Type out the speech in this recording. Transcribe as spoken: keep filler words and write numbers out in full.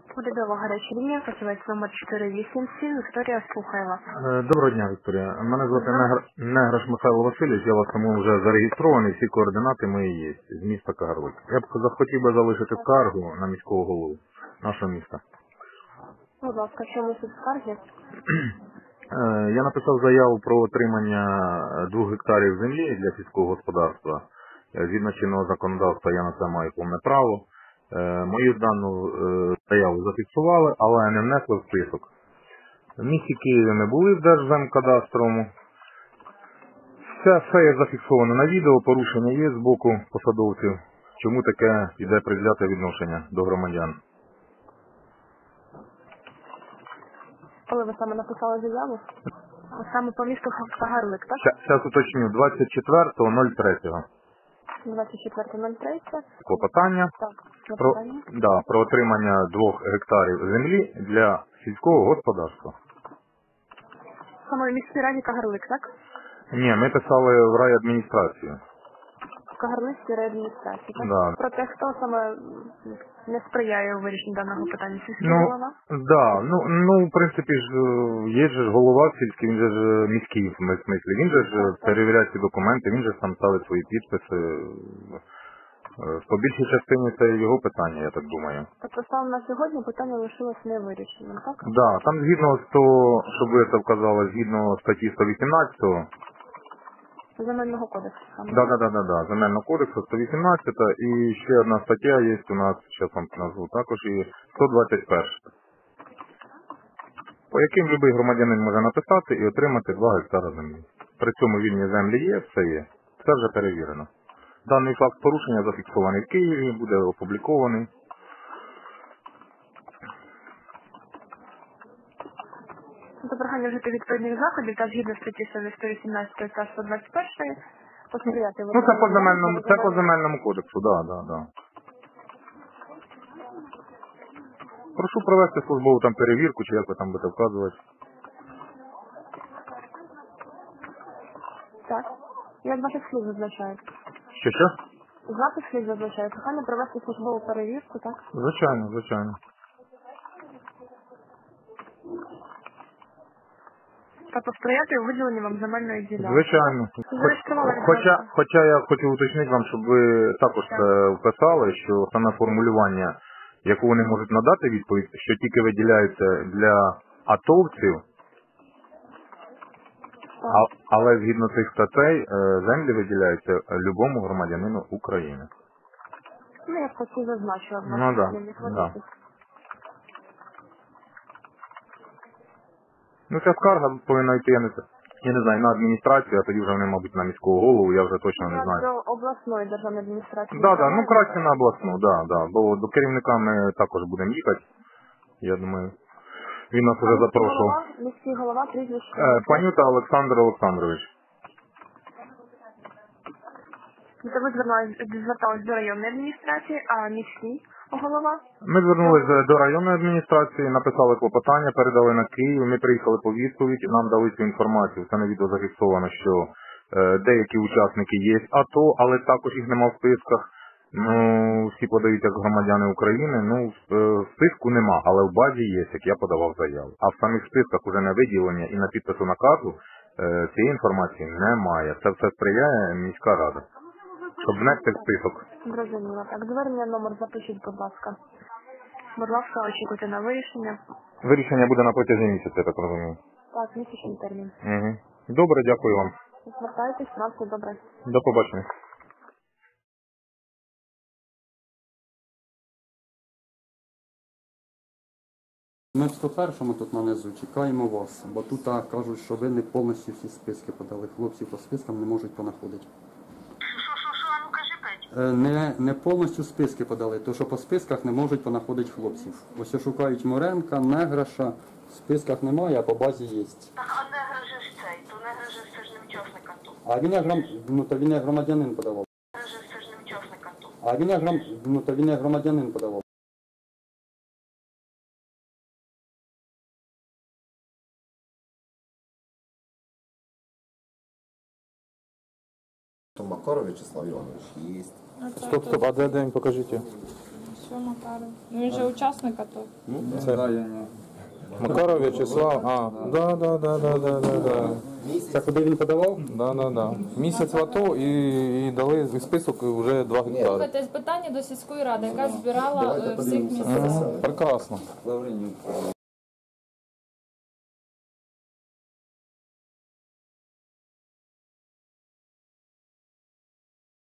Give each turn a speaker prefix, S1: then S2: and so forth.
S1: Урядова гаряча лінія, фахівець номер чотири вісім сім, Вікторія, слухає вас.
S2: Е, Доброго дня, Вікторія. Мене звати Негр... Неграш Михайло Васильович, я вас тому вже зареєстрований, всі координати мої є, з міста Кагарлик. Я б захотів би залишити скаргу на міського голову нашого міста.
S1: Будь ласка, чому тут скарги?
S2: Е, Я написав заяву про отримання двох гектарів землі для сільського господарства. Е, Згідно чинного законодавства я на це маю повне право. Е, Мою дану е, заяву зафіксували, але не внесли в список. В місті Києві ми були в Держземкадастровому. Все, все є зафіксовано на відео, порушення є з боку посадовців. Чому таке йде предвзяте відношення до громадян?
S1: Коли ви саме написали заяву? Саме по місту Кагарлик, так?
S2: Зараз уточню, двадцять четвертого ноль третього.
S1: двадцять четвертого третього.
S2: Клопотання
S1: Так,
S2: про,
S1: клопотання.
S2: да, про отримання двох гектарів землі для сільського господарства.
S1: Саме в міській раді Кагарлик, так?
S2: Ні, ми писали в райадміністрацію.
S1: В Кагарлицькій райадміністрації, так?
S2: Да.
S1: Про те, хто саме не сприяє у вирішенні даного питання, сільський
S2: Ну,
S1: голова?
S2: да, ну, ну, в принципі ж, е, є ж голова сільський, він же ж е, міський в ми- смислі, він же ж е, перевіряє ці документи, він же ж там ставить свої підписи. Е, По більшій частині це його питання, я так думаю.
S1: Тобто саме на сьогодні питання лишилось невирішеним, так?
S2: Да, там згідно з того, щоб ви це вказали, згідно статті сто вісімнадцять,
S1: Земельного кодексу саме.
S2: да, да, да, да, да, Земельного кодексу сто вісімнадцять, і ще одна стаття є у нас, зараз вам назву, також і сто двадцять перша. По яким будь-який громадянин може написати і отримати два гектара землі. При цьому вільні землі є, все є. Все вже перевірено. Даний факт порушення зафіксований в Києві, буде опублікований.
S1: До прохання вжити відповідних заходів та згідно статті сто вісімнадцять та сто двадцять один посприяти.
S2: Ну це по земельному, це по земельному кодексу, да, да, да. Прошу провести службову там перевірку, чи як ви там будете вказувати.
S1: Так. Як ваших слів зазначають?
S2: Що, що?
S1: Запис слів зазначає. Прохання провести службову перевірку, так?
S2: Звичайно, звичайно.
S1: Та посприяти у виділенні вам земельної ділянки.
S2: Звичайно.
S1: Зареєстрували
S2: Хоч, хоча,
S1: відносно.
S2: хоча я хочу уточнити вам, щоб ви також це вписали, що саме формулювання, яку вони можуть надати відповідь, що тільки виділяється для атовців, а, але згідно цих статей е, землі виділяються любому громадянину України.
S1: Ну, я просто зазначила в
S2: Ну,
S1: ваших
S2: да,
S1: слівних
S2: да.
S1: випадках.
S2: Ну ця скарга повинна йти, я не, я не знаю, на адміністрацію, а тоді вже вони, мабуть, на міського голову, я вже точно не
S1: Я
S2: знаю.
S1: до обласної державної адміністрації.
S2: Да, да, ну краще на обласну, да, да, бо до керівника ми також будемо їхати. Я думаю, він нас вже запрошував.
S1: Міський голова, прізвище.
S2: Е, Панюта Олександр Олександрович.
S1: Це ви звернулись- звертались до районної адміністрації, а міський голова?
S2: Ми звернулися до районної адміністрації, написали клопотання, передали на Київ, ми приїхали по відповідь, нам дали цю інформацію. Це на відео зафіксовано, що е, деякі учасники є АТО, але також їх нема в списках. Ну, всі подають як громадяни України, ну, в, е, в списку нема, але в базі є, як я подавав заяву. А в самих списках уже на виділення і на підпису наказу е, цієї інформації немає. Це все сприяє міська рада. Щоб внести в список.
S1: Зрозуміло. Так, звернення номер запишіть, будь ласка. Будь ласка, очікуйте на вирішення.
S2: Вирішення буде на протязі місяця, я так розумію.
S1: Так, місячний термін.
S2: Угу. Добре, дякую вам.
S1: Звертайтесь, на все добре.
S2: До побачення.
S3: Ми в сто першому тут нанизу чекаємо вас, бо тут а, кажуть, що ви не повністю всі списки подали. Хлопці по спискам не можуть понаходити.
S4: Що, що, що, а ну кажи п'ять.
S3: Е, Не, не повністю списки подали, то що по списках не можуть понаходити хлопців. Ось шукають Моренка, Неграша, в списках немає, а по базі є.
S4: Так, а негра же ж цей, то негра же це ж не учасник АТО.
S3: А він є гром... ну, то він є громадянин подавав.
S4: Негра же це ж не учасник АТО.
S3: А він є гром... ну, то він є громадянин подавав.
S5: Макаров Вячеслав Иванович есть.
S2: Стоп, стоп, а де, де він, покажіть.
S5: все, Макаров. Ну він же учасник АТО.
S2: Це Макаров В'ячеслав, а, да, да, да, да, да, да, да.
S3: Це куди він подавав?
S2: Да, да, да. Місяць в АТО і, і дали список вже два гектари.
S5: Слухайте, питання до сільської ради, яка збирала е, всіх місцевих.
S2: Прекрасно.